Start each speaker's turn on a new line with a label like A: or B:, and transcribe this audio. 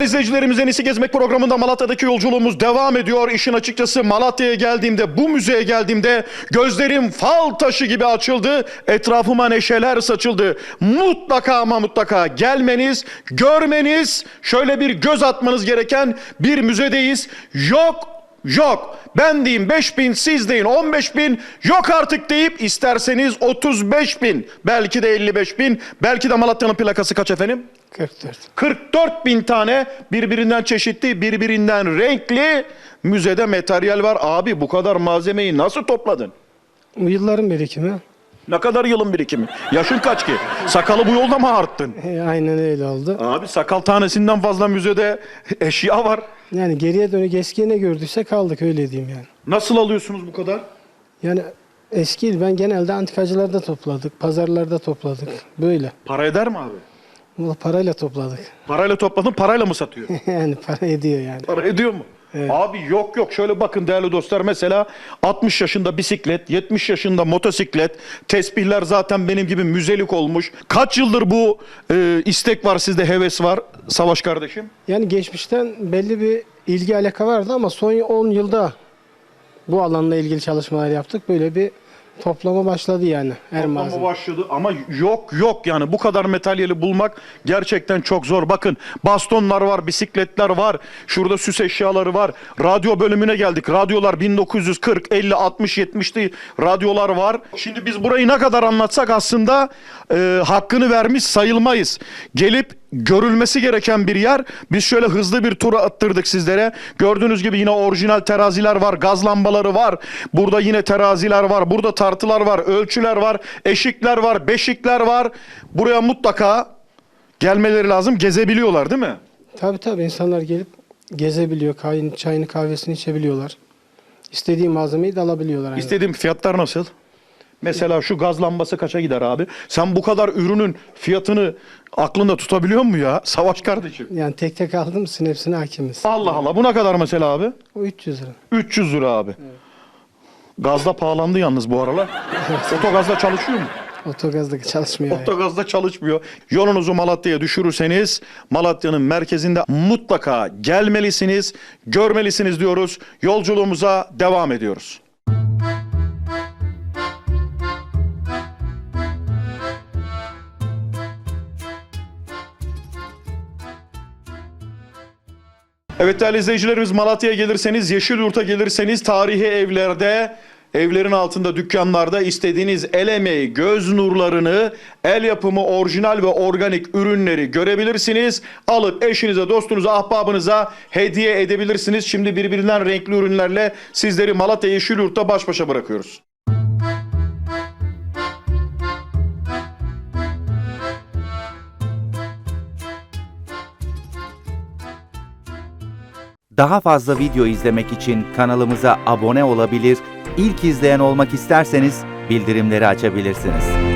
A: İzleyicilerimiz En İyisi Gezmek programında Malatya'daki yolculuğumuz devam ediyor. İşin açıkçası Malatya'ya geldiğimde, bu müzeye geldiğimde gözlerim fal taşı gibi açıldı. Etrafıma neşeler saçıldı. Mutlaka ama mutlaka gelmeniz, görmeniz, şöyle bir göz atmanız gereken bir müzedeyiz. Yok. Ben diyeyim 5.000, siz deyin 15.000, yok artık deyip isterseniz 35.000, belki de 55.000, belki de Malatya'nın plakası kaç efendim?
B: 44.
A: 44.000 tane birbirinden çeşitli, birbirinden renkli müzede materyal var. Abi bu kadar malzemeyi nasıl topladın?
B: Bu yılların birikimi.
A: Ne kadar yılın birikimi? Yaşın kaç ki? Sakalı bu yolda mı arttın?
B: Aynen öyle oldu.
A: Abi sakal tanesinden fazla müzede eşya var.
B: Yani geriye dönük eskiye ne gördüyse kaldık, öyle diyeyim yani.
A: Nasıl alıyorsunuz bu kadar?
B: Yani eski ben genelde antikacılarda topladık, pazarlarda topladık. Böyle.
A: Para eder mi abi?
B: Bunu parayla topladık.
A: Parayla topladın, parayla mı satıyor?
B: Yani para ediyor yani.
A: Para ediyor mu?
B: Evet.
A: Abi yok. Şöyle bakın değerli dostlar, mesela 60 yaşında bisiklet, 70 yaşında motosiklet, tesbihler zaten benim gibi müzelik olmuş. Kaç yıldır bu istek var sizde, heves var Savaş kardeşim?
B: Yani geçmişten belli bir ilgi alaka vardı ama son 10 yılda bu alanla ilgili çalışmalar yaptık. Böyle bir toplama başladı yani her
A: Toplama
B: malzeme.
A: başladı ama yok yani bu kadar materyali bulmak gerçekten çok zor. Bakın bastonlar var, bisikletler var, şurada süs eşyaları var. Radyo bölümüne geldik. Radyolar 1940, 50, 60, 70'li radyolar var. Şimdi biz burayı ne kadar anlatsak aslında hakkını vermiş sayılmayız. Gelip görülmesi gereken bir yer. Biz şöyle hızlı bir tur attırdık sizlere. Gördüğünüz gibi yine orijinal teraziler var, gaz lambaları var. Burada yine teraziler var, burada tartılar var, ölçüler var, eşikler var, beşikler var. Buraya mutlaka gelmeleri lazım. Gezebiliyorlar değil mi?
B: Tabii insanlar gelip gezebiliyor, çayını kahvesini içebiliyorlar. İstediği malzemeyi de alabiliyorlar. Yani.
A: İstediğim fiyatlar nasıl? Mesela şu gaz lambası kaça gider abi? Sen bu kadar ürünün fiyatını aklında tutabiliyor musun ya Savaş kardeşim?
B: Yani tek tek aldım mısın hepsine hakimiz.
A: Allah Allah, bu ne kadar mesela abi?
B: O 300 lira.
A: 300 lira abi. Evet. Gazda pahalandı yalnız bu aralar. Otogazda çalışıyor mu?
B: Otogazda çalışmıyor.
A: Otogazda çalışmıyor. Yolunuzu Malatya'ya düşürürseniz Malatya'nın merkezinde mutlaka gelmelisiniz, görmelisiniz diyoruz. Yolculuğumuza devam ediyoruz. Evet değerli izleyicilerimiz, Malatya'ya gelirseniz, Yeşilyurt'a gelirseniz tarihi evlerde, evlerin altında, dükkanlarda istediğiniz el emeği, göz nurlarını, el yapımı orijinal ve organik ürünleri görebilirsiniz. Alıp eşinize, dostunuza, ahbabınıza hediye edebilirsiniz. Şimdi birbirinden renkli ürünlerle sizleri Malatya Yeşilyurt'ta baş başa bırakıyoruz.
C: Daha fazla video izlemek için kanalımıza abone olabilir, ilk izleyen olmak isterseniz bildirimleri açabilirsiniz.